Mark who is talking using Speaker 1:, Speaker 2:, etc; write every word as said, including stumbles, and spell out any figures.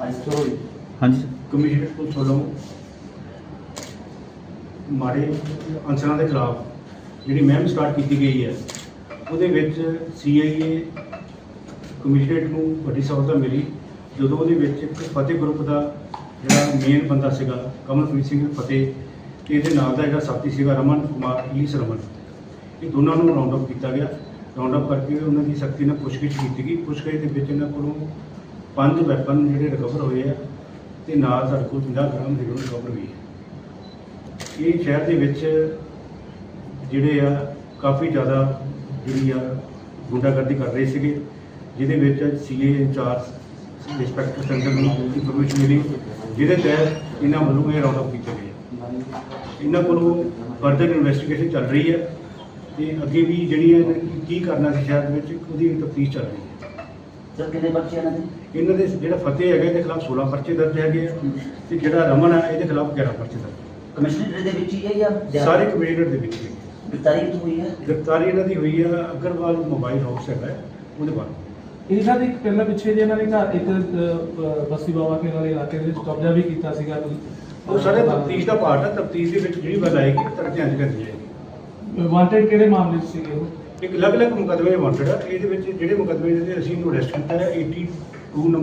Speaker 1: हाँ जी
Speaker 2: commissioner police ਵੱਲੋਂ ਮਾੜੇ ਅਨਸਰਾਂ ਦੇ ਖਿਲਾਫ ਜਿਹੜੀ ਮੁਹਿੰਮ ਸਟਾਰਟ ਕੀਤੀ ਗਈ ਹੈ ਉਹਦੇ ਵਿੱਚ ਸੀ ਆਈ ਏ ਕਮਿਸ਼ਨਰੇਟ ਨੂੰ ਵੱਡੀ ਸਹੂਲਤ ਮਿਲੀ ਜਦੋਂ ਉਹਦੇ ਵਿੱਚ ਇੱਕ ਫਤਿਹ ਗਰੁੱਪ ਦਾ ਜਿਹੜਾ ਮੇਨ ਬੰਦਾ ਸੀਗਾ ਕਮਲਪ੍ਰੀਤ ਸਿੰਘ ਫਤਿਹ ਤੇ ਇਹਦੇ ਨਾਲ ਦਾ ਜਿਹੜਾ ਸਾਥੀ ਸੀਗਾ ਰਮਨ ਕੁਮਾਰ ਈਸ ਰਮਨ, ਇਹ ਦੋਨਾਂ ਨੂੰ ਰਾਉਂਡ ਅਪ ਕੀਤਾ ਗਿਆ। ਰਾਉਂਡ ਅਪ ਕਰਕੇ ਉਹਨਾਂ ਦੀ ਸਖਤੀ ਨਾਲ ਪੁੱਛਗਿੱਛ ਕੀਤੀ ਗਈ। ਪੁੱਛਗਿੱਛ ਦੇ ਵਿੱਚ ਇਹਨਾਂ ਕੋਲੋਂ ਪੰਜ ਵੈਪਨ ਜਿਹੜੇ ਰਿਕਵਰ ਹੋਏ ਆ ਤੇ ਨਾਲ ਸਾਡੇ ਕੋਲ ਪੰਜਾਹ ਗ੍ਰਾਮ ਹੀਰੋਇਨ ਰਿਕਵਰ ਹੋਈ ਹੈ। ਇਹ ਸ਼ਹਿਰ ਦੇ ਵਿੱਚ ਜਿਹੜੇ ਆ ਕਾਫੀ ਜ਼ਿਆਦਾ ਜਿਹੜੀ ਆ ਗੁੰਡਾਗਰਦੀ ਕਰ ਰਹੇ ਸੀਗੇ, ਜਿਹਦੇ ਵਿੱਚ ਸੀ ਏ ਇੰਚਾਰਜ ਇੰਸਪੈਕਟਰ ਸੈਂਟਰ ਨੂੰ ਇਨਫੋਰਮੇਸ਼ਨ ਮਿਲੀ, ਜਿਹਦੇ ਤਹਿਤ ਇਹਨਾਂ ਵੱਲੋਂ ਇਹ ਰਾਉਂਡ ਅਪ ਕੀਤਾ ਗਿਆ। ਇਹਨਾਂ ਕੋਲੋਂ ਫਰਦਰ ਇਨਵੈਸਟੀਗੇਸ਼ਨ ਚੱਲ ਰਹੀ ਹੈ ਤੇ ਅੱਗੇ ਵੀ ਜਿਹੜੀ ਹੈ ਕੀ ਕਰਨਾ ਸੀ ਸ਼ਹਿਰ ਦੇ ਵਿੱਚ ਉਹਦੀ ਤਫਤੀਸ਼ ਚੱਲ ਰਹੀ ਹੈ।
Speaker 3: ਸਰ ਕਿੰਨੇ ਬੱਚੇ ਇਹਨਾਂ ਦੇ?
Speaker 2: ਇਹਨਾਂ ਦੇ ਜਿਹੜਾ ਫਤਿਹ ਹੈਗਾ ਇਹਦੇ ਖਿਲਾਫ ਸੋਲਾਂ ਪਰਚੇ ਦਰਜ ਹੈਗੇ ਆ ਤੇ ਜਿਹੜਾ ਰਮਨ ਹੈ ਇਹਦੇ ਖਿਲਾਫ ਗਿਆਰਾਂ ਪਰਚੇ ਦਰਜ।
Speaker 3: ਕਮਿਸ਼ਨਰ ਦੇ ਵਿੱਚ ਹੀ ਹੈ ਜਾਂ
Speaker 2: ਸਾਰੇ ਕਮਿਸ਼ਨਰ ਦੇ ਵਿੱਚ ਹੀ
Speaker 3: ਗ੍ਰਿਫਤਾਰੀ ਕਿੱਥੋਂ ਹੋਈ ਹੈ?
Speaker 2: ਗ੍ਰਿਫਤਾਰੀ ਇਹਨਾਂ ਦੀ ਹੋਈ ਆ ਅਗਰਵਾਲ ਮੋਬਾਈਲ ਹਾਊਸ ਹੈਗਾ ਉਹਦੇ ਬਾਅਦ।
Speaker 4: ਇਹਨਾਂ ਦੇ ਇੱਕ ਪਹਿਲਾਂ ਪਿੱਛੇ ਜੇ ਇਹਨਾਂ ਨੇ ਘਰ ਇੱਕ ਅਹ, ਬਸੀ ਬਾਬਾ ਕੇ ਵਾਲੇ ਇਲਾਕੇ ਦੇ ਵਿੱਚ ਕਬਜ਼ਾ ਵੀ ਕੀਤਾ ਸੀਗਾ ਕੋਈ।
Speaker 2: ਉਹ ਸਾਰੇ ਤਫਤੀਸ਼ ਦਾ ਪਾਰਟ ਹੈ। ਤਫਤੀਸ਼ ਦੇ ਵਿੱਚ ਜਿਹੜੀ ਗੱਲ ਆਏਗੀ ਤਰ੍ਹਾਂ ਧਿਆਨ ਕਰਨੀ ਜਾਏਗੀ।
Speaker 4: ਵਾਂਟਡ ਕਿਹੜੇ ਮਾਮਲੇ 'ਚ ਸੀਗੇ ਉਹ?
Speaker 2: ਇੱਕ ਅਲੱਗ-ਅਲੱਗ ਮੁਕੱਦਮੇ ਵਾਂਟਡ ਆ। ਇਹਦੇ ਵਿੱਚ ਜਿਹੜੇ ਮੁਕੱਦਮੇ ਦੇ ਅਸੀਂ ਇਹਨੂੰ ਅਰੈਸਟ ਕੀਤਾ ਹੈ ਬयासी ਨੰਬਰ